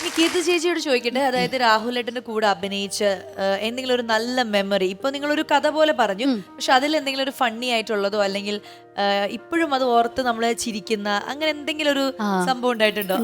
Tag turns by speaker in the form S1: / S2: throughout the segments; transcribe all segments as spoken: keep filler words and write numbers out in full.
S1: കീർത്തി ചേച്ചിയോട് ചോദിക്കട്ടെ, അതായത് രാഹുലേട്ടന്റെ കൂടെ അഭിനയിച്ച എന്തെങ്കിലും ഒരു നല്ല മെമ്മറി, ഇപ്പൊ നിങ്ങളൊരു കഥ പോലെ പറഞ്ഞു, പക്ഷെ അതിൽ എന്തെങ്കിലും ഒരു ഫണ്ണി ആയിട്ടുള്ളതോ അല്ലെങ്കിൽ ഇപ്പോഴും അത് ഓർത്ത് നമ്മള് ചിരിക്കുന്ന അങ്ങനെ എന്തെങ്കിലും ഒരു സംഭവം ഉണ്ടായിട്ടുണ്ടോ?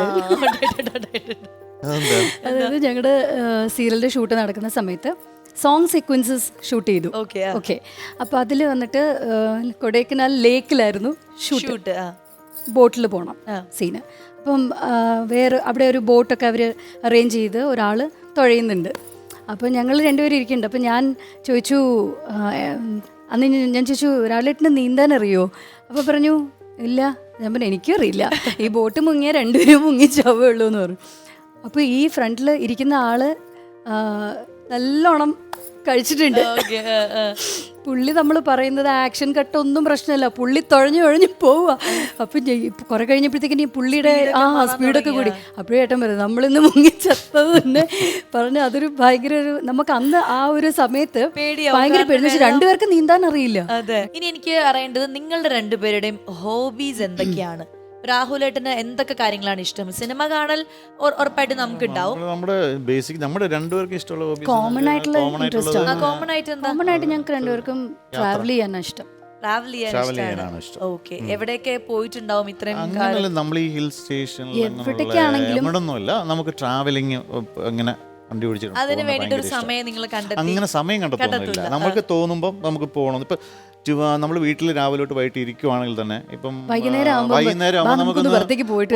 S2: അതായത് ഞങ്ങളുടെ സീരിയലിന്റെ ഷൂട്ട് നടക്കുന്ന സമയത്ത് സോങ് സീക്വൻസസ് ഷൂട്ട് ചെയ്തു. ഓക്കെ, അപ്പോൾ അതിൽ വന്നിട്ട് കൊടൈക്കനാൽ ലേക്കിലായിരുന്നു ഷൂട്ട്. ബോട്ടിൽ പോകണം സീന്. അപ്പം വേറെ അവിടെ ഒരു ബോട്ടൊക്കെ അവർ അറേഞ്ച് ചെയ്ത് ഒരാൾ തുഴയുന്നുണ്ട്. അപ്പോൾ ഞങ്ങൾ രണ്ടുപേരും ഇരിക്കുന്നുണ്ട്. അപ്പം ഞാൻ ചോദിച്ചു, അന്ന് ഞാൻ ചോദിച്ചു ഒരാളായിട്ട് നീന്താൻ അറിയോ? അപ്പോൾ പറഞ്ഞു ഇല്ല. ഞാൻ പറഞ്ഞു എനിക്കും അറിയില്ല, ഈ ബോട്ട് മുങ്ങിയാൽ രണ്ടുപേരും മുങ്ങി ചാവേ ഉള്ളൂ എന്ന് പറഞ്ഞു. അപ്പോൾ ഈ ഫ്രണ്ടിൽ ഇരിക്കുന്ന ആള് നല്ലോണം കഴിച്ചിട്ടുണ്ട്. പുള്ളി നമ്മൾ പറയുന്നത് ആക്ഷൻ കട്ടൊന്നും പ്രശ്നമല്ല, പുള്ളി തുഴഞ്ഞു തുഴഞ്ഞു പോവുക. അപ്പം കുറെ കഴിഞ്ഞപ്പോഴത്തേക്കും ഈ പുള്ളിയുടെ ആ സ്പീഡൊക്കെ കൂടി. അപ്പോഴേ ഏട്ടൻ പറയുന്നത് നമ്മളിന്ന് മുങ്ങിച്ചത്തത് തന്നെ പറഞ്ഞ് അതൊരു ഭയങ്കര ഒരു നമുക്ക് അന്ന് ആ ഒരു സമയത്ത് ഭയങ്കര പേടി. രണ്ടുപേർക്ക് നീന്താൻ അറിയില്ല.
S1: അതെ. ഇനി എനിക്ക് അറിയേണ്ടത് നിങ്ങളുടെ രണ്ടുപേരുടെയും ഹോബീസ് എന്തൊക്കെയാണ്? രാഹുലേട്ടന് എന്തൊക്കെ കാര്യങ്ങളാണ് ഇഷ്ടം? സിനിമ കാണൽ ഉറപ്പായിട്ട് നമുക്ക് ഉണ്ടാവും.
S3: നമ്മുടെ ബേസിക് നമ്മുടെ രണ്ടുപേർക്കും ഇഷ്ടമുള്ള ഹോബീസ്
S2: കോമൺ ആയിട്ടുള്ള ഇൻട്രസ്റ്റ്.
S1: കോമൺ ആയിട്ട് എന്താ?
S2: കോമൺ ആയിട്ട് ഞങ്ങൾക്ക് രണ്ടുപേർക്കും ട്രാവൽ ചെയ്യാനാണ് ഇഷ്ടം.
S1: ട്രാവൽ ചെയ്യാനാണ് ഇഷ്ടം. ഓക്കെ, എവിടെയൊക്കെ പോയിട്ടുണ്ടാവും ഇത്രയും
S3: കാലം? നമ്മൾ ഈ ഹിൽ സ്റ്റേഷനിൽ
S2: എവിടേക്കാണെങ്കിലും
S3: എവിടൊന്നുമില്ല, നമുക്ക് ട്രാവലിംഗ് അങ്ങനെ വണ്ടി പിടിച്ചിട്ട്
S1: അതിന് വേണ്ടിട്ട് ഒരു സമയം നിങ്ങൾ കണ്ടെത്തി?
S3: അങ്ങനെ സമയം കണ്ടെത്തുന്നില്ല. നമുക്ക് തോന്നുമ്പോൾ നമുക്ക് പോകണം. ഇപ്പൊ നമ്മൾ വീട്ടിൽ രാവിലെ തൊട്ട് വൈകിട്ട് ഇരിക്കുവാണെങ്കിൽ തന്നെ ഇപ്പം വൈകുന്നേരം നമുക്ക്
S2: പുറത്തേക്ക് പോയിട്ട്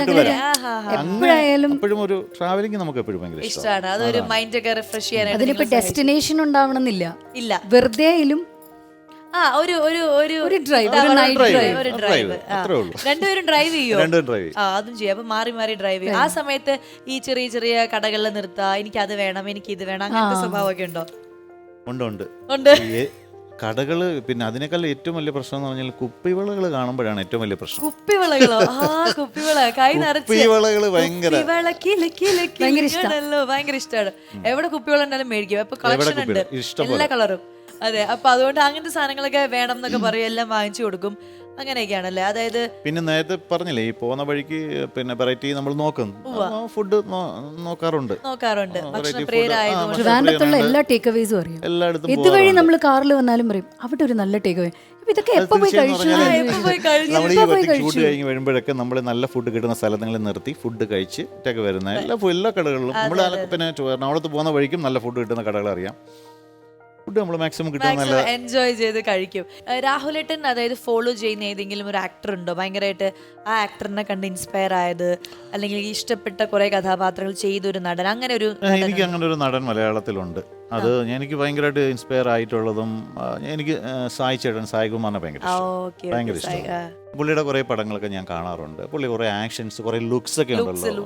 S3: വരാം. എപ്പോഴും ഒരു ട്രാവലിംഗ് നമുക്ക് എപ്പോഴും ഭയങ്കര
S1: ഇഷ്ടമാണ്. അതൊരു മൈൻഡ് ഒക്കെ റിഫ്രഷ് ചെയ്യാനായിട്ട്.
S2: അതിനിപ്പോ ഡെസ്റ്റിനേഷൻ ഉണ്ടാവണമെന്നില്ല.
S1: ഇല്ല,
S2: വെറുതെ
S1: ആ ഒരു ഒരു ഒരു
S2: ഡ്രൈവ്,
S1: ഒരു ഡ്രൈവ്. രണ്ടുപേരും ഡ്രൈവ് ചെയ്യോ? ആ, അതും ചെയ്യും. അപ്പൊ മാറി മാറി ഡ്രൈവ് ചെയ്യും. ആ സമയത്ത് ഈ ചെറിയ ചെറിയ കടകളിൽ നിർത്താ, എനിക്ക് അത് വേണം, എനിക്ക് ഇത് വേണം, അങ്ങനത്തെ സ്വഭാവമൊക്കെ ഉണ്ടോ?
S3: ഉണ്ട് ഉണ്ട്
S1: ഉണ്ട്.
S3: കടകള്. പിന്നെ അതിനേക്കാൾ ഏറ്റവും വലിയ പ്രശ്നം എന്ന് പറഞ്ഞാൽ കുപ്പിവളകൾ കാണുമ്പോഴാണ് ഏറ്റവും വലിയ പ്രശ്നം.
S1: കുപ്പിവളകളോ? ആ, കുപ്പിവള കൈ നിറച്ച്
S3: കുപ്പിവളകള് ഭയങ്കര
S1: ഭയങ്കര ഇഷ്ടമാണ്. എവിടെ കുപ്പിവള ഉണ്ടായാലും മേടിക്കും. അപ്പൊ കളക്ഷൻ ഉണ്ട് എല്ലാ കളറും. അതെ, അപ്പൊ അതുകൊണ്ട് അങ്ങനത്തെ സാധനങ്ങളൊക്കെ വേണം എന്നൊക്കെ പറയും, എല്ലാം വാങ്ങിച്ചു കൊടുക്കും. അങ്ങനെയൊക്കെയാണല്ലേ? അതായത്
S3: പിന്നെ നേരത്തെ പറഞ്ഞില്ലേ, ഈ പോകുന്ന വഴിക്ക് പിന്നെ വെറൈറ്റി നമ്മൾ നോക്കും, ഫുഡ് നോക്കാറുണ്ട്
S1: നോക്കാറുണ്ട്
S2: ട്രിവാൻഡ്രത്തുള്ള എല്ലാ ടേക്ക് അവേസും അറിയാം.
S3: എല്ലായിടത്തും
S2: ഇതുവഴി നമ്മൾ കാറിൽ വന്നാലും പറയും അവിടെ ഒരു നല്ല ടേക്ക് അവേ. ഇതൊക്കെ എപ്പോ പോയി കഴിച്ചു?
S3: നമ്മൾ ഈ ഷൂട്ട് കഴിഞ്ഞ് വരുമ്പോഴൊക്കെ നമ്മൾ നല്ല ഫുഡ് കിട്ടുന്ന സ്ഥലങ്ങളിൽ നിർത്തി ഫുഡ് കഴിച്ച് ടേക്ക് വരുന്ന എല്ലാ എല്ലാ കടകളിലും നമ്മൾ പിന്നെ എറണാകുളത്ത് പോകുന്ന വഴിക്കും നല്ല ഫുഡ് കിട്ടുന്ന കടകൾ അറിയാം. ഫുഡ് നമ്മൾ മാക്സിമം കിട്ടുന്ന
S1: എൻജോയ് ചെയ്ത് കഴിക്കും. രാഹുലേട്ടൻ അതായത് ഫോളോ ചെയ്യുന്ന ഏതെങ്കിലും ഒരു ആക്ടർ ഉണ്ടോ ഭയങ്കരമായിട്ട് ആ ആക്ടറിനെ കണ്ട് ഇൻസ്പയർ ആയത്, അല്ലെങ്കിൽ ഇഷ്ടപ്പെട്ട കുറെ കഥാപാത്രങ്ങൾ ചെയ്തൊരു നടൻ, അങ്ങനെ ഒരു?
S3: എനിക്ക് അങ്ങനെ ഒരു നടൻ മലയാളത്തിലുണ്ട്. അത് എനിക്ക് ഭയങ്കരമായിട്ട് ഇൻസ്പയർ ആയിട്ടുള്ളതും എനിക്ക് സായി ചേട്ടൻ, സായി കുമാറിനെ ഭയങ്കര ഭയങ്കര ഇഷ്ടം. പുള്ളിയുടെ കുറെ പടങ്ങളൊക്കെ ഞാൻ കാണാറുണ്ട്. പുള്ളി കുറെ ആക്ഷൻസ്, കുറെ ലുക്സ് ഒക്കെ ഉണ്ടല്ലോ.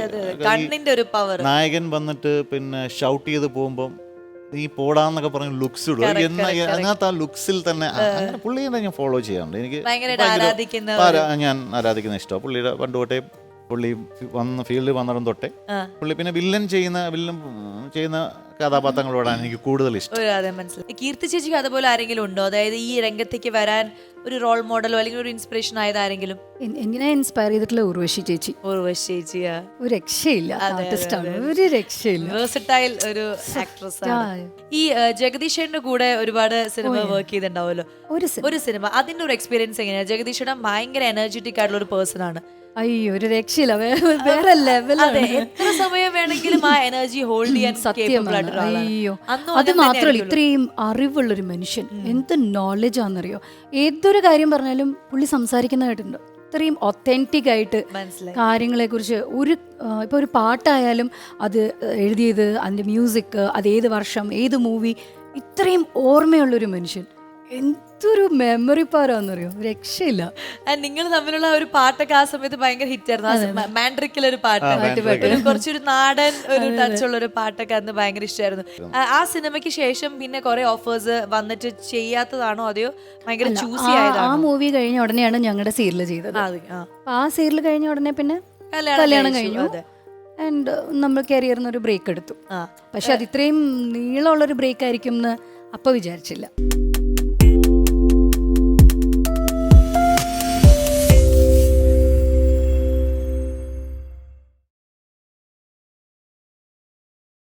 S3: നായകൻ വന്നിട്ട് പിന്നെ ഷൗട്ട് ചെയ്ത് പോകുമ്പോൾ നീ പോടാന്നൊക്കെ പറഞ്ഞ ലുക്സ് ഇടും. അങ്ങനത്തെ ആ ലുക്സിൽ തന്നെ അങ്ങനെ പുള്ളിയെ ഞാൻ ഫോളോ ചെയ്യാറുണ്ട്. എനിക്ക് ഞാൻ ആരാധിക്കുന്ന ഇഷ്ടമാണ് പുള്ളിയുടെ. പണ്ട് തൊട്ടേ പുള്ളി വന്ന് ഫീൽഡിൽ വന്നിടം തൊട്ടേ പുള്ളി പിന്നെ വില്ലൻ ചെയ്യുന്ന വില്ലൻ ചെയ്യുന്ന കഥാപാത്രങ്ങളോടാണ് എനിക്ക് കൂടുതൽ ഇഷ്ടം.
S1: മനസ്സിലായി. കീർത്തി ചേച്ചിക്ക് അതുപോലെ ആരെങ്കിലും ഉണ്ടോ? അതായത് ഈ രംഗത്തേക്ക് വരാൻ ഒരു റോൾ മോഡലോ അല്ലെങ്കിൽ ഒരു ഇൻസ്പിറേഷൻ ആയത് ആരെങ്കിലും?
S2: എങ്ങനെ ഇൻസ്പയർ ചെയ്തിട്ടുള്ള ഉർവശി ചേച്ചി.
S1: ഉർവശി ചേച്ചി
S2: ഒരു രക്ഷയില്ല, ഒരു രക്ഷയില്ല,
S1: വേഴ്സറ്റൈൽ ഒരു ആക്ട്രസ് ആണ്. ഈ ജഗദീഷേട്ടന്റെ കൂടെ ഒരുപാട് സിനിമ വർക്ക് ചെയ്തിട്ടുണ്ടാവുമല്ലോ, ഒരു സിനിമ, അതിന്റെ ഒരു എക്സ്പീരിയൻസ് എങ്ങനെയാണ്? ജഗദീഷേട്ടൻ ഭയങ്കര എനർജറ്റിക് ആയിട്ടുള്ള ഒരു പേഴ്സൺ ആണ്.
S2: അയ്യോ, ഒരു രക്ഷയില്ല, വേറെ ലെവലാണ്.
S1: എത്ര സമയം വേണമെങ്കിലും ആ എനർജി ഹോൾഡ് ചെയ്യാൻ സത്യമാണ്.
S2: അയ്യോ, അത് മാത്രമല്ല ഇത്രയും അറിവുള്ളൊരു മനുഷ്യൻ, എന്ത് നോളജ് ആണെന്നറിയോ. ഏതൊരു കാര്യം പറഞ്ഞാലും പുള്ളി സംസാരിക്കുന്നതായിട്ടുണ്ട്. ഇത്രയും ഒത്തന്റിക് ആയിട്ട് കാര്യങ്ങളെ കുറിച്ച്. ഒരു ഇപ്പൊ ഒരു പാട്ടായാലും അത് എഴുതിയത്, അതിന്റെ മ്യൂസിക്, അത് ഏത് വർഷം, ഏത് മൂവി, ഇത്രയും ഓർമ്മയുള്ളൊരു മനുഷ്യൻ. എന്തൊരു മെമ്മറി പവറാന്നറിയോ, രക്ഷയില്ല.
S1: നിങ്ങൾ തമ്മിലുള്ള ഒരു പാട്ടൊക്കെ ആ സമയത്ത് ഭയങ്കര ഹിറ്റ് ആയിരുന്നു. മാൻഡ്രിക്കിലൊരു പാട്ട്, കുറച്ചൊരു നാടൻ ഒരു ടച്ച് ഉള്ള ഒരു പാട്ടൊക്കെ അന്ന് ഭയങ്കര ഇഷ്ടമായിരുന്നു. ആ സിനിമയ്ക്ക് ശേഷം പിന്നെ കുറെ ഓഫേഴ്സ് വന്നിട്ട് ചെയ്യാത്തതാണോ അതെയോ ഭയങ്കര ചൂസി ആയതാണോ?
S2: ആ മൂവി കഴിഞ്ഞ ഉടനെയാണ് ഞങ്ങളുടെ സീരിയൽ ചെയ്തത്. ആ സീരിയൽ കഴിഞ്ഞ ഉടനെ പിന്നെ കല്യാണം കഴിഞ്ഞു. ആൻഡ് നമ്മൾ കരിയറിന് ഒരു ബ്രേക്ക് എടുത്തു. പക്ഷെ അത് ഇത്രയും നീളമുള്ളൊരു ബ്രേക്ക് ആയിരിക്കും എന്ന് അപ്പൊ വിചാരിച്ചില്ല.